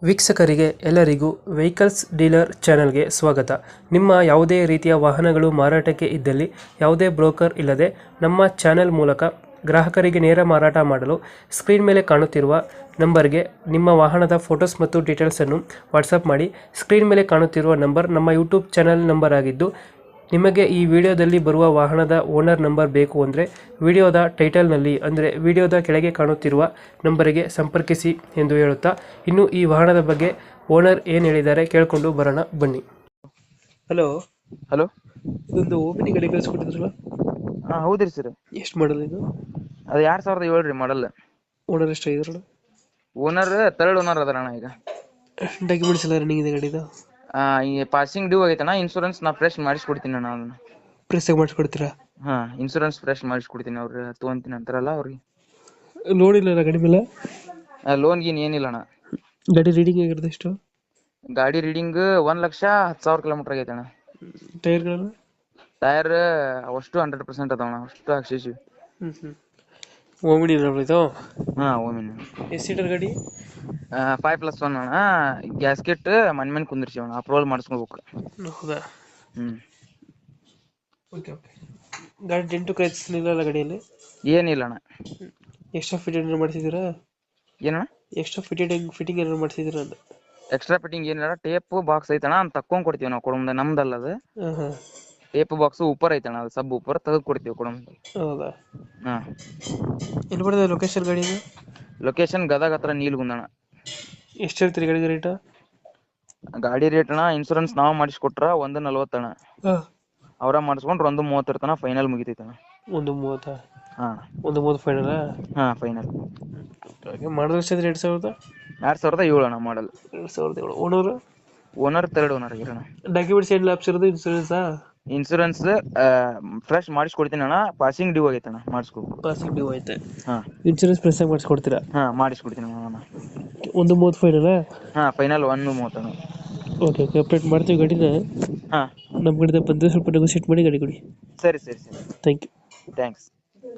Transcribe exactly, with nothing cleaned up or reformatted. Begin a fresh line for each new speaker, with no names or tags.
ವೀಕ್ಷಕರಿಗೆ ಎಲ್ಲರಿಗೂ vehicles dealer ಚಾನೆಲ್ಗೆ ಸ್ವಾಗತ. ನಿಮ್ಮ ಯಾವುದೇ ರೀತಿಯ ವಾಹನಗಳು ಮಾರಾಟಕ್ಕೆ ಇದ್ದಲ್ಲಿ ಯಾವುದೇ ಬ್ರೋಕರ್ ಇಲ್ಲದೆ ನಮ್ಮ ಚಾನೆಲ್ ಮೂಲಕ ಗ್ರಾಹಕರಿಗೆ ನೇರ ಮಾರಾಟ ಮಾಡಲು ಸ್ಕ್ರೀನ್ ಮೇಲೆ ಕಾಣುತ್ತಿರುವ ನಂಬರ್ಗೆ ನಿಮ್ಮ ವಾಹನದ ಫೋಟೋಸ್ ಮತ್ತು ಡೀಟೇಲ್ಸನ್ನು ವಾಟ್ಸಪ್ ಮಾಡಿ. ಸ್ಕ್ರೀನ್ ಮೇಲೆ ಕಾಣುತ್ತಿರುವ ನಂಬರ್ ನಮ್ಮ ಯೂಟ್ಯೂಬ್ ಚಾನೆಲ್ ನಂಬರ್ ಆಗಿದ್ದು, ನಿಮಗೆ ಈ ವಿಡಿಯೋದಲ್ಲಿ ಬರುವ ವಾಹನದ ಓನರ್ ನಂಬರ್ ಬೇಕು ಅಂದರೆ ವಿಡಿಯೋದ ಟೈಟಲ್ನಲ್ಲಿ ಅಂದರೆ ವಿಡಿಯೋದ ಕೆಳಗೆ ಕಾಣುತ್ತಿರುವ ನಂಬರಿಗೆ ಸಂಪರ್ಕಿಸಿ ಎಂದು ಹೇಳುತ್ತಾ, ಇನ್ನು ಈ ವಾಹನದ ಬಗ್ಗೆ ಓನರ್ ಏನು ಹೇಳಿದ್ದಾರೆ ಕೇಳಿಕೊಂಡು ಬರೋಣ ಬನ್ನಿ. ಹಲೋ
ಹಲೋ
ಇದೊಂದು ಓಮಿನಿ ಗಾಡಿ ಕಳಿಸ್ಕೊಟ್ಟಿದ್ರಲ್ಲ,
ಹಾಂ ಹೌದ್ರಿ ಸರ್.
ಎಷ್ಟು ಮಾಡಲ್ ಇದು?
ಅದು ಎರಡು ಸಾವಿರದ ಏಳು ರೀ ಮಾಡಲ್.
ಓನರ್ ಎಷ್ಟು ಆಗಿದ್ರಲ್ಲ?
ಓನರ್ ತರ್ಡ್ ಓನರ್ ಅದಾರ ಅಣ್ಣ. ಈಗ
ಡಾಕ್ಯುಮೆಂಟ್ಸ್ ಎಲ್ಲ ರನ್ನಿಂಗ್ ಇದೆ ಗಾಡಿದು?
ಈ ಪಾಸಿಂಗ್ ಡ್ಯೂ ಆಗೈತಣ್ಣ. ಇನ್ಶೂರೆನ್ಸ್ ನಾ ಫ್ರೆಶ್ ಮಾಡಿಸ್ಕೊಡ್ತೀನಿ ಅಣ್ಣ ಅದನ್ನ.
ಪ್ರೆಸ್ಸಾಗಿ ಮಾಡಿಸ್ಕೊಡ್ತೀರಾ?
ಹಾಂ ಇನ್ಶೂರೆನ್ಸ್ ಫ್ರೆಶ್ ಮಾಡಿಸ್ಕೊಡ್ತೀನಿ. ಅವ್ರು ತೊಗೊಂತೀನಿ ಅಂತಾರಲ್ಲ ಅವ್ರಿಗೆ.
ಲೋನ್ ಇಲ್ಲ ಗಾಡಿ ಮೇಲೆ?
ಲೋನ್ ಗೀನ್ ಏನಿಲ್ಲ ಅಣ್ಣ.
ಗಾಡಿ ರೀಡಿಂಗ್ ಆಗಿರೋದು ಎಷ್ಟು?
ಗಾಡಿ ರೀಡಿಂಗ್ ಒಂದ್ ಲಕ್ಷ ಹತ್ತು ಸಾವಿರ ಕಿಲೋಮೀಟರ್ ಆಗೈತೆ ಅಣ್ಣ.
ಟೈರ್ಗಳನ್ನು?
ಟೈರ್ ಅಷ್ಟು ಹಂಡ್ರೆಡ್ ಪರ್ಸೆಂಟ್ ಅದಾವಣ್ಣ, ಅಷ್ಟು ಹಾಕ್ಸಿದ್ವಿ.
ಹ್ಞೂ ಹ್ಞೂ ಓಮಿನಿ ಇದು?
ಹಾಂ ಓಮಿನಿ.
ಎಷ್ಟು ಸೀಟರ್ ಗಾಡಿ?
ಫೈವ್ ಪ್ಲಸ್ ಒನ್ ಅಣ್ಣ. ಗ್ಯಾಸ್ಕೆಟ್ ಮನ್ ಮನ್ ಕುಂದಿರ್ಸಿ ಅಣ್ಣ, ಅಪ್ರೂವಲ್ ಮಾಡಿಸ್ಕೋಬೇಕು.
ಹೌದಾ?
ಹ್ಞೂ
ಓಕೆ ಓಕೆ. ಗಾಡಿ ಡೆಂಟು ಕ್ರ್ಯಾಚಸ್ ಇಲ್ಲ ಗಾಡಿಯಲ್ಲಿ?
ಏನಿಲ್ಲ ಅಣ್ಣ.
ಎಕ್ಸ್ಟ್ರಾ ಫಿಟೆಡ್ ಏನಾರು ಮಾಡಿಸಿದ್ದೀರಾ?
ಏನಣ್ಣ?
ಎಕ್ಸ್ಟ್ರಾ ಫಿಟೆಡ್ ಫಿಟ್ಟಿಂಗ್ ಏನಾರು ಮಾಡಿಸಿದ್ದೀರಾ ಅಂತ?
ಎಕ್ಸ್ಟ್ರಾ ಫಿಟ್ಟಿಂಗ್ ಏನಿಲ್ಲ. ಟೇಪ್ ಬಾಕ್ಸ್ ಐತಣ್ಣ, ಅಂತ ತಕ್ಕೊಂಡ್ ಕೊಡ್ತೀವಿ ನಾವು ಕೊಡಮ್ದ, ನಮ್ದಲ್ಲ ಅದು.
ಹಾಂ ಹಾಂ.
ಟೇಪ್ ಬಾಕ್ಸ್ ಉಪ್ಪರ್ ಐತಣ್ಣ, ಅದು ಸಬ್ ಉಪ್ಪರ್ ತೆಗೆದು ಕೊಡ್ತೀವಿ ಕೊಡಮ್ದ.
ಹೌದಾ?
ಹಾಂ.
ಎಲ್ಲಿ ಬರ್ತದೆ ಲೊಕೇಶನ್ ಗಾಡಿದು?
ಲೊಕೇಶನ್ ಗದಗ ಹತ್ರ ನೀಲ್ಗುಂದಣ.
ಎಷ್ಟು ಹೇಳ್ತೀರಿ ಗಾಡಿಗೆ ರೇಟು?
ಗಾಡಿ ರೇಟ್ ಅಣ್ಣ, ಇನ್ಶೂರೆನ್ಸ್ ನಾವು ಮಾಡಿಸ್ಕೊಟ್ರ ಒಂದು ನಲ್ವತ್ತಣ್ಣ.
ಹಾಂ.
ಅವ್ರ ಮಾಡಿಸ್ಕೊಂಡ್ರೆ ಒಂದು ಮೂವತ್ತರ ತನಕ ಫೈನಲ್ ಮುಗಿತೈತಣ್ಣ.
ಒಂದು ಮೂವತ್ತಾ?
ಹಾಂ.
ಒಂದು ಮೂವತ್ತು ಫೈನಲ್ಲ?
ಹಾಂ ಫೈನಲ್.
ಹಾಗೆ ಮಾಡಿದ್ರೆ ಎಷ್ಟು ಎರಡು ಸಾವಿರದ?
ಎರಡು ಸಾವಿರದ ಏಳು ಅಣ್ಣ ಮಾಡಲ್.
ಎರಡು ಸಾವಿರದ ಏಳು. ಓನರು?
ಓನರ್ ತರ್ಡ್ ಓನರ್ ಆಗಿರೋಣ.
ಡಾಕ್ಯುಮೆಂಟ್ಸ್ ಏನು ಲ್ಯಾಪ್ಸ್ ಇರೋದು? ಇನ್ಸೂರೆನ್ಸಾ?
ಇನ್ಶೂರೆನ್ಸ್ ಫ್ರೆಶ್ ಮಾಡಿಸ್ಕೊಡ್ತೀನಿ ಅಣ್ಣ. ಪಾಸಿಂಗ್ ಡ್ಯೂ ಆಗೈತಣ್ಣ, ಮಾಡಿಸ್ಕೊಬೇಕು.
ಪಾಸಿಂಗ್ ಡ್ಯೂ ಐತೆ?
ಹಾಂ.
ಇನ್ಸೂರೆನ್ಸ್ ಪ್ರೆಸ್ಸಾಗಿ ಮಾಡಿಸ್ಕೊಡ್ತೀರಾ?
ಹಾಂ ಮಾಡಿಸ್ಕೊಡ್ತೀನಿ ಅಣ್ಣ.
ಒಂದು ಮೂವತ್ತು ಫೈನಲ್ಲ?
ಹಾಂ ಫೈನಲ್ ಒಂದು ಮೂವತ್ತಣ್ಣ.
ಓಕೆ ಓಕೆ, ಅಪ್ಡೇಟ್ ಮಾಡ್ತೀವಿ ಗಾಡಿನ.
ಹಾಂ
ನಮ್ಮ ಕಡೆಯಿಂದ ಬಂದರೆ ಸ್ವಲ್ಪ ನೆಗೋಸಿಯೇಟ್ ಮಾಡಿ ಗಾಡಿ ಕೊಡಿ.
ಸರಿ ಸರಿ ಸರಿ.
Thank you.
ಥ್ಯಾಂಕ್ಸ್.